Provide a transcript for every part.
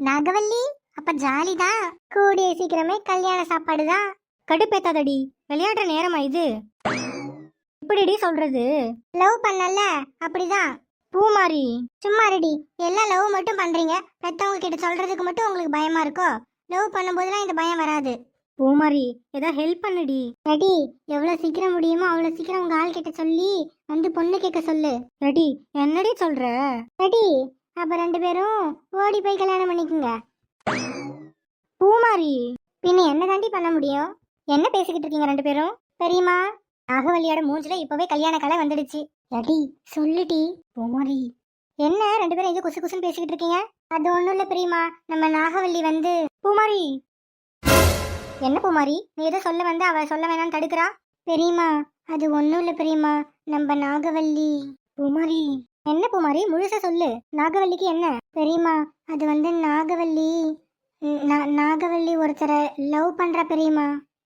நாகவல்லி, அப்ப ஜாலிதான். கூடிய சீக்கிரமே கல்யாண சாப்பாடு தான். கடுப்பேத்தாதடி, விளையாடுற நேரமா இது? இப்படிடி சொல்றது? லவ் பண்ணல அப்படிதான். பூமாரி, சும்மா ரெடி. எல்லாம் லவ் மட்டும் பண்றீங்க, பெத்தவங்க கிட்ட சொல்றதுக்கு மட்டும் உங்களுக்கு பயமா இருக்கோ? லவ் பண்ணும்போதெல்லாம் இந்த பயம் வராது. பூமாரி, ஏதாவது ஹெல்ப் பண்ணுடி. ரெடி, எவ்வளவு சீக்கிரம் முடியுமோ அவ்வளவு சீக்கிரம் உங்க ஆள் கிட்ட சொல்லி வந்து பொண்ணு கேட்க சொல்லு. ரெடி? என்னடி சொல்ற? ரெடி, அப்ப ரெண்டு பேரும் ஓடி போய் கல்யாணம் பண்ணிக்குங்க. பூமாரி, பின்ன என்ன தாண்டி பண்ண முடியும்? என்ன பேசிக்கிட்டு இருக்கீங்க ரெண்டு பேரும்? பெரியம்மா, நாகவல்லியோட மூஞ்சில இப்பவே கல்யாண கலை வந்துடுச்சு. ரெடி, சொல்லுடி. பூமாரி, என்ன ரெண்டு பேரும் இது குசு குசுன்னு பேசிக்கிட்டு இருக்கீங்க? அது ஒண்ணும் இல்ல பெரியம்மா, நம்ம நாகவல்லி வந்து. பூமாரி, என்ன பூமாரி, நீ ஏதோ சொல்ல வந்து அவ சொல்ல வேணாம்னு தடுக்கிறா? பெரியம்மா, அது ஒண்ணும் இல்ல பெரியம்மா, நம்ம நாகவல்லி. பூமாரி, என்ன பூமாரி, முழுசா சொல்லு. நாகவல்லிக்கு என்ன? பெரியம்மா, அது வந்து நாகவல்லி நாகவல்லி ஒருத்தரை லவ் பண்ற பெரியம்மா.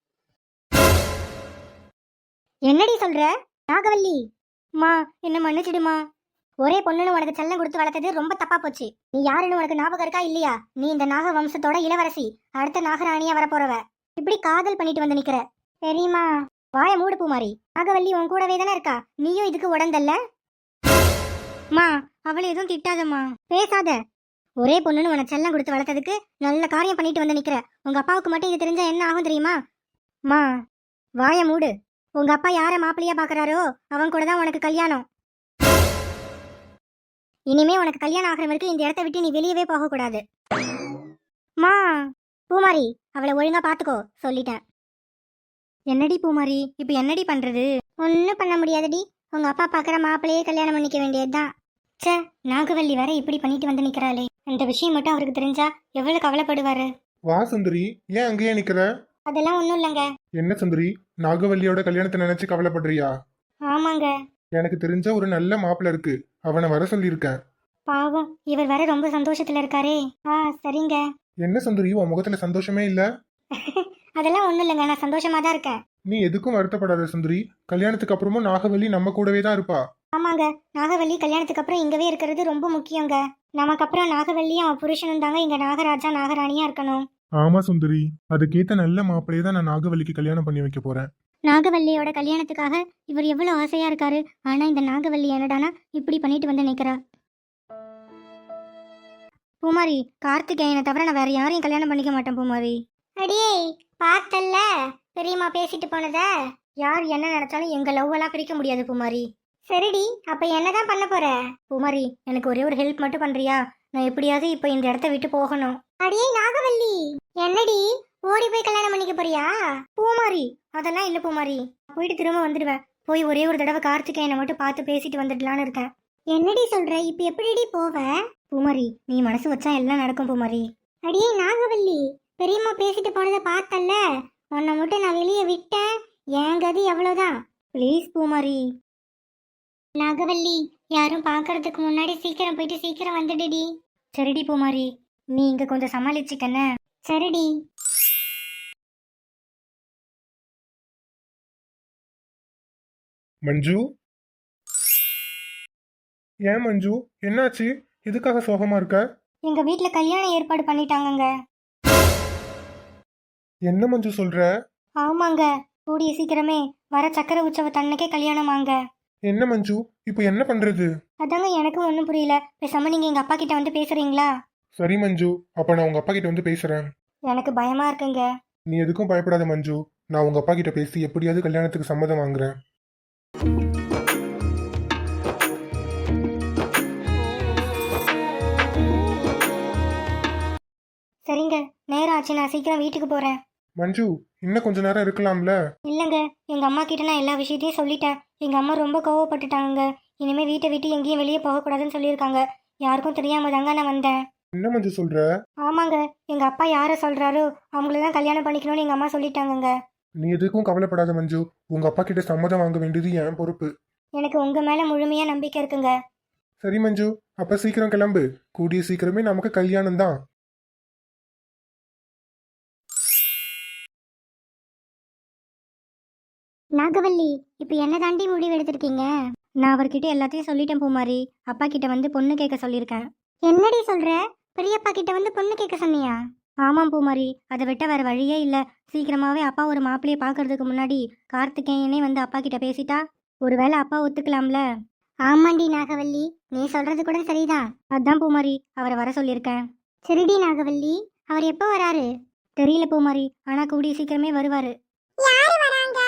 என்னடி சொல்ற? நாகவல்லி, மா, என்ன மன்னிச்சிடுமா. ஒரே பொண்ணுன்னு உனக்கு செல்லம் கொடுத்து வளர்த்தது ரொம்ப தப்பா போச்சு. நீ யாருன்னு உனக்கு ஞாபகம் இருக்கா இல்லையா? நீ இந்த நாக வம்சத்தோட இளவரசி, அடுத்த நாகராணியா வரப்போறவ. இப்படி காதல் பண்ணிட்டு வந்து நிக்கிற. பெரியம்மா, வாய மூடு பூமாரி. நாகவல்லி உன் கூடவே தானே இருக்கா, நீயும் இதுக்கு உடந்தல்ல? மா, அவளை எதுவும் திட்டாதம்மா. பேசாத. ஒரே பொண்ணுன்னு உனக்கு செல்லம் கொடுத்து வளர்த்ததுக்கு நல்ல காரியம் பண்ணிட்டு வந்து நிக்கிற. உங்க அப்பாவுக்கு மட்டும் இது தெரிஞ்சா என்ன ஆகும் தெரியுமா? மா, வாய மூடு. உங்க அப்பா யார மாப்பிள்ளையா பாக்குறாரோ அவன் கூட தான் உனக்கு கல்யாணம். இனிமே உனக்கு கல்யாணம் ஆகிற வரைக்கும் இந்த இடத்த விட்டு நீ வெளியவே போக கூடாது. மா. பூமாரி, அவளை ஒழுங்கா பாத்துக்கோ, சொல்லிட்டேன். என்னடி பூமாரி, இப்ப என்னடி பண்றது? ஒன்னும் பண்ண முடியாதுடி. உங்க அப்பா பாக்குற மாப்பிள்ளையே கல்யாணம் பண்ணிக்க வேண்டியதுதான். சே, நாகவல்லி வேற இப்படி பண்ணிட்டு வந்து நிக்கிறாளே. இந்த விஷயம் மட்டும் அவருக்கு தெரிஞ்சா எவ்வளவு கவலைப்படுவாரு. வா சுந்தரி, ஏன் அங்கேயே நிக்கிற? அதெல்லாம் ஒண்ணும் இல்லைங்க. என்ன சுந்தரி, நாகவல்லியோட கல்யாணத்தை நினைச்சு கவலைப்படுறியா? ஆமாங்க. எனக்கு தெரிஞ்ச ஒரு நல்ல மாப்பிள்ள இருக்கு, அவனை வர சொல்லியிருக்கேன். பாவம், இவர் வேற ரொம்ப சந்தோஷத்துல இருக்காரே. சரிங்க. என்ன சுந்தரி, உன் முகத்துல சந்தோஷமே இல்ல? அதெல்லாம் ஒண்ணும் இல்லைங்க, நான் சந்தோஷமா தான் இருக்கேன். நீ எதுக்கும் வருத்தப்படாத சுந்தரி, கல்யாணத்துக்கு அப்புறமும் நாகவல்லி நம்ம கூடவே தான் இருப்பா. ஆமாங்க, நாகவல்லி கல்யாணத்துக்கு அப்புறம் இங்கவே இருக்கிறது ரொம்ப முக்கியங்க. நமக்கு அப்புறம் நாகவல்லியும் அவன் புருஷனும் தாங்க இங்க நாகராஜா நாகராணியா இருக்கணும். ஆமா சுந்தரி, அதுக்கேத்த நல்ல மாப்பிள்ளையே தான் நான் நாகவல்லிக்கு கல்யாணம் பண்ணி வைக்க போறேன். நாகவல்லியோட கல்யாணத்துக்காக இவர் எவ்வளவு ஆசையா இருக்காரு. ஆனா இந்த நாகவல்லி என்னடானா இப்படி பண்ணிட்டு வந்து நிக்கிறா. பூமாரி, கார்த்திகேயனை தவிர நான் வேற யாரையும் கல்யாணம் பண்ணிக்க மாட்டேன் பூமாரி. அடியே, பார்த்தல்ல பெரியம்மா பேசிட்டு போனத. யார் என்ன நினைச்சாலும் எங்க லவ் எல்லாம் பிரிக்க முடியாது பூமாரி. சரிடி, அப்ப என்னதான் பண்ண போற? பூமாரி, எனக்கு ஒரே ஒரு ஹெல்ப் மட்டும் பண்றியா? நான் எப்படியாவது இப்ப இந்த இடத்த விட்டு போகணும். அடியே நாகவல்லி, என்னடி ஓடி போய் கல்யாணம் பண்ணிக்க போறியா? பூமாரி, அதெல்லாம் இல்ல பூமாரி, போயிட்டு திரும்ப வந்துடுவேன். போய் ஒரே ஒரு தடவை கார்த்திகேயனை மட்டும் பார்த்து பேசிட்டு வந்துடலான்னு இருக்கேன். என்னடி சொல்ற, இப்ப எப்படிடி போவ? பூமாரி, நீ மனசு வச்சா எல்லாம் நடக்கும் பூமாரி. அடியே நாகவல்லி, பெரியம்மா பேசிட்டு போனதை பார்த்தல்ல, உன்னை மட்டும் நான் வெளியே விட்டேன், என் கதி எவ்வளவுதான். ப்ளீஸ் பூமாரி. நாகவல்லி, யாரும் பாக்குறதுக்கு முன்னாடி சீக்கிரம் போயிட்டு சீக்கிரம் வந்துடுடி. சரிடி பூமாரி, நீ இங்க கொஞ்சம் சமாளிச்சுக்கன. சரிடி. மஞ்சு, ஏன் மஞ்சு, என்னாச்சு? எதுக்காக சோகமா இருக்க? எங்க வீட்ல கல்யாணம் ஏற்பாடு பண்ணிட்டாங்கங்க. என்ன மஞ்சு சொல்ற? ஆமாங்க, கூடிய சீக்கிரமே வர சக்கர உற்சவத்தன்னைக்கே கல்யாணமாங்க. என்ன மஞ்சு, இப்போ என்ன பண்றது? அதாங்க எனக்கும் ஒன்றும் புரியல. பேசாம நீங்க எங்க அப்பா கிட்ட வந்து பேசுறீங்களா? சரி மஞ்சு, அப்ப நான் உங்க அப்பா கிட்ட வந்து பேசுறேன். எனக்கு பயமா இருக்குங்க. நீ எதுக்கும் பயப்படாத மஞ்சு, நான் உங்க அப்பா கிட்ட பேசி எப்படியாவது கல்யாணத்துக்கு சம்மதம் வாங்குறேன். சரிங்க, நேரம் ஆச்சு, நான் சீக்கிரம் வீட்டுக்கு போறேன். மஞ்சு, இன்னும் கொஞ்ச நேரம் இருக்கலாம்ல? இல்லைங்க, எங்க அம்மா கிட்ட நான் எல்லா விஷயத்தையும் சொல்லிட்டேன். எங்க அம்மா ரொம்ப கோவப்பட்டுட்டாங்க. இனிமே வீட்டை விட்டு எங்கேயும் வெளியே போகக்கூடாதுன்னு சொல்லியிருக்காங்க. யாருக்கும் தெரியாம தாங்க நான் வந்தேன். என்ன மஞ்சு சொல்ற? ஆமாங்க, எங்க அப்பா யாரை சொல்றாரோ அவங்கள தான் கல்யாணம் பண்ணிக்கணும்னு எங்க அம்மா சொல்லிட்டாங்கங்க. நீ எதுக்கும் கவலைப்படாத மஞ்சு, உங்க அப்பா கிட்ட சம்மதம் வாங்க வேண்டியது என் பொறுப்பு. எனக்கு உங்க மேல முழுமையா நம்பிக்கை இருக்குங்க. சரி மஞ்சு, அப்ப சீக்கிரம் கிளம்பு, கூடிய சீக்கிரமே நமக்கு கல்யாணம் தான். நாகவல்லி, இப்ப என்ன தாண்டி முடிவு எடுத்திருக்கீங்க? நான் அவர்கிட்ட எல்லாத்தையும் சொல்லிட்டேன் பூமாரி. அப்பா கிட்ட வந்து பொண்ணு கேட்க சொல்லியிருக்கேன். என்னடி சொல்ற? பெரியப்பா கிட்ட வந்து பொண்ணு கேட்க சொன்னியா? ஆமாம் பூமாரி, அதை விட்ட வேற வழியே இல்லை. சீக்கிரமாவே அப்பா ஒரு மாப்பிள்ளையை பார்க்கறதுக்கு முன்னாடி கார்த்திகேயனே வந்து அப்பா கிட்ட பேசிட்டா ஒருவேளை அப்பா ஒத்துக்கலாம்ல. ஆமாண்டி நாகவல்லி, நீ சொல்றது கூட சரிதான். அதான் பூமாரி அவரை வர சொல்லியிருக்கேன். சரிடி நாகவல்லி, அவர் எப்போ வராரு? தெரியல பூமாரி, ஆனா கூடிய சீக்கிரமே வருவாரு. யாரு வராங்க?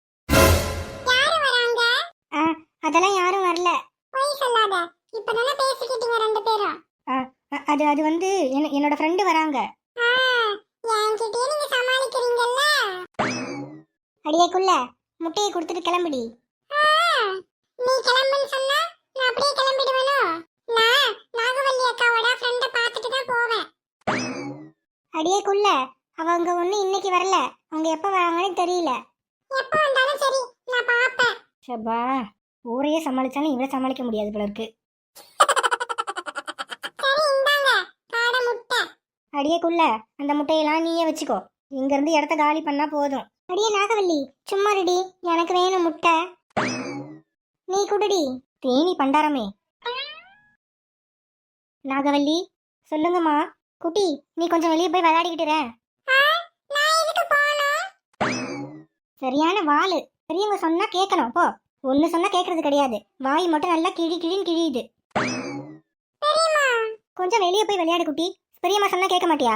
அதெல்லாம் யாரும் வரல. போய் சொல்லாத, இப்பதானே பேசிக்கிட்டீங்க ரெண்டு பேரும். அது வந்து என்னோட ஃப்ரெண்டு வராங்க. என்கிட்டயே நீங்க சமாளிக்கிறீங்கல்ல. அடியேக்குள்ள முட்டையை கொடுத்துட்டு கிளம்புடி. நீ கிளம்புன்னு சொன்னா நான் அப்படியே கிளம்பிடுவேனோ? நான் நாகவல்லி அக்காவோட ஃப்ரெண்ட பார்த்துட்டு தான் போவேன். அடியேக்குள்ள அவங்க ஒண்ணு இன்னைக்கு வரல, அவங்க எப்ப வராங்கன்னு தெரியல. எப்ப வந்தாலும் சரி, நான் பாப்பேன். ஷபா, ஊரையே சமாளிச்சாலும் இவரை சமாளிக்க முடியாது போல இருக்கு. சரி, இந்தாங்க காடை முட்டை. அடியேக்குள்ள அந்த முட்டையெல்லாம் நீயே வச்சுக்கோ, இங்க இருந்து இடத்த காலி பண்ணா போதும். அடியே நாகவல்லி, சும்மா ரெடி, எனக்கு வேணும் முட்டை. நீ குடுடி. தேனி பண்டாரமே. நாகவல்லி, சொல்லுங்கம்மா. குட்டி, நீ கொஞ்சம் வெளியே போய் விளையாடிக்கிட்டு இரு. சரியான வாளு. பெரியவங்க சொன்னா கேட்கணும். போ. ஒன்னு சொன்னா கேட்கறது கிடையாது. வாய் மட்டும் நல்லா கிழின்னு கிழியுது. கொஞ்சம் வெளியே போய் விளையாடு குட்டி. பெரியம்மா சொன்னா கேட்க மாட்டியா?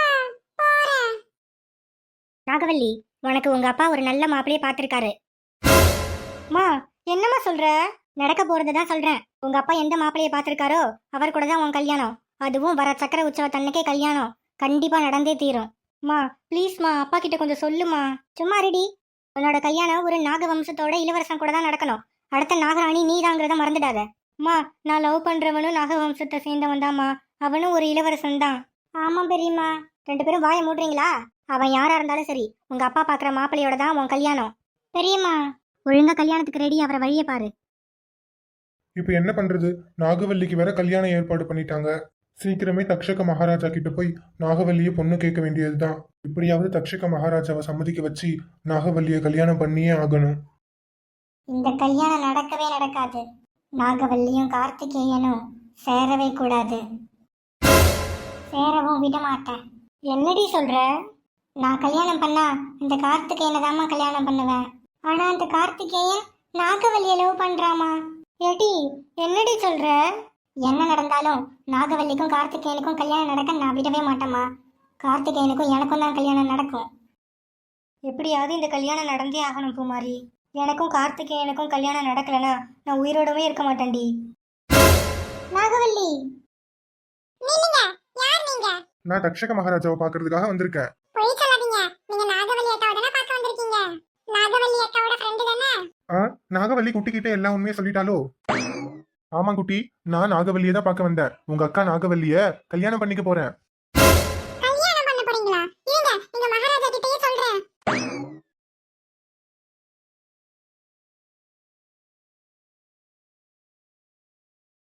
நாகவல்லி, உனக்கு உங்க அப்பா ஒரு நல்ல மாப்பிளைய பார்த்திருக்காரு. மா, என்னம்மா சொல்ற? நடக்க போறதுதான் சொல்றேன். உங்க அப்பா எந்த மாப்பிளைய பார்த்திருக்காரோ அவர் கூட தான் உன் கல்யாணம். அதுவும் வர சக்கர உற்சவத்தன்னைக்கே கல்யாணம். கண்டிப்பா நடந்தே தீரும். மா ப்ளீஸ்மா, அப்பா கிட்ட கொஞ்சம் சொல்லுமா. சும்மா ரெடி. உன்னோட கல்யாணம் ஒரு நாக வம்சத்தோட இளவரசன் கூட தான் நடக்கணும். அடுத்த நாகராணி நீதாங்கிறத மறந்துடாத. மா, நான் லவ் பண்றவனும் நாக வம்சத்தை சேர்ந்தவன் தான்மா. அவனும் ஒரு இளவரசன் தான். ஆமா பெரியம்மா. ரெண்டு பேரும் வாயை மூடுறீங்களா? அவன் யாரா இருந்தாலும் சரி, உங்க அப்பா பாக்குற மாப்பிள்ளையோட தான் உன் கல்யாணம். பெரியம்மா, ஒழுங்கா கல்யாணத்துக்கு ரெடி, அவரை வழியை பாரு. இப்போ என்ன பண்றது? நாகவல்லிக்கு வேற கல்யாணம் ஏற்பாடு பண்ணிட்டாங்க. சீக்கிரமே தக்ஷக மகாராஜா கிட்ட போய் நாகவல்லியை பொண்ணு கேட்க வேண்டியதுதான். இப்படியாவது தக்ஷக மகாராஜாவை சம்மதிக்க வச்சு நாகவல்லியை கல்யாணம் பண்ணியே ஆகணும். இந்த கல்யாணம் நடக்கவே நடக்காது. நாகவல்லியும் கார்த்திகேயனும் சேரவே கூடாது. சேரவும் விட மாட்டேன். என்னடி சொல்ற? நான் கல்யாணம் பண்ணா இந்த கார்த்திகேயனை தாம்மா கல்யாணம் பண்ணுவேன். ஆனா அந்த கார்த்திகேயன் நாகவல்லியை லவ் பண்றாமா. ஏடி, என்னடி சொல்ற? என்ன நடந்தாலும் நாகவல்லிக்கும் கார்த்திகேயனுக்கும் கல்யாணம் நடக்க நான் விடவே மாட்டேம்மா. கார்த்திகேயனுக்கும் எனக்கும் தான் கல்யாணம் நடக்கும். எப்படியாவது இந்த கல்யாணம் நடந்தே ஆகணும் பூமாரி. எனக்கும் கார்த்திகேயனுக்கும் கல்யாணம் நடக்கலனா நான் உயிரோடவே இருக்க மாட்டேன்டி. நாகவல்லி, நீங்க யார்? நீங்க? நான் தக்ஷக மகாராஜாவை பாக்குறதுக்காக வந்திருக்கேன். போய் சொல்லாதீங்க. நீங்க நாகவல்லி அக்காவை தானே பார்க்க வந்திருக்கீங்க. நாகவல்லி அக்காவோட ஃப்ரெண்டு தானே? நாகவல்லி குட்டிக்கிட்ட எல்லா உண்மையை சொல்லிட்டாலோ? ஆமா குட்டி, நான் நாகவல்லியை தான் பார்க்க வந்தேன். உங்க அக்கா நாகவல்லிய கல்யாணம் பண்ணிக்க போறேன்.